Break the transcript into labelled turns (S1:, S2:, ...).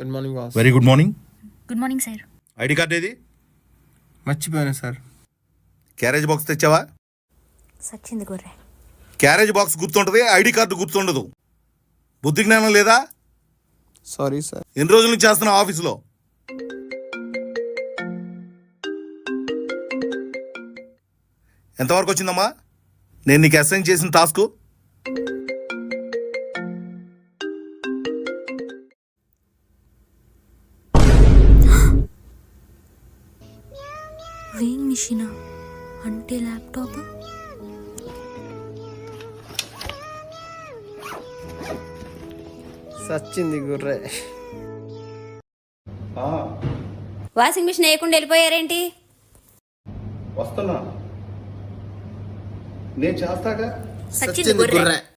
S1: Good morning boss.
S2: Very good morning.
S3: Good morning sir.
S2: ID card ఏది?
S1: మర్చిపోయాను సార్.
S2: Carriage box తెచ్చావా?
S3: సచ్చింది గొర్రె.
S2: క్యారేజ్ బాక్స్ గుర్తుంటుంది, ఐడి కార్డు గుర్తుండదు. బుద్ధి జ్ఞానం లేదా?
S1: Sorry sir.
S2: ఎన్ని రోజుల నుంచి చేస్తున్నావు ఆఫీసులో? ఎంతవరకు వచ్చిందమ్మా నేను నీకు అసైన్ చేసిన టాస్క్?
S3: వేయింగ్ మిషనా అంటే ల్యాప్టాప్?
S1: సచ్చింది గుర్రే.
S4: వాషింగ్ మిషన్ వేయకుండా వెళ్ళిపోయారేంటి?
S2: వస్తున్నా, నేను చేస్తాగా.
S4: సచ్చింది గొర్రె.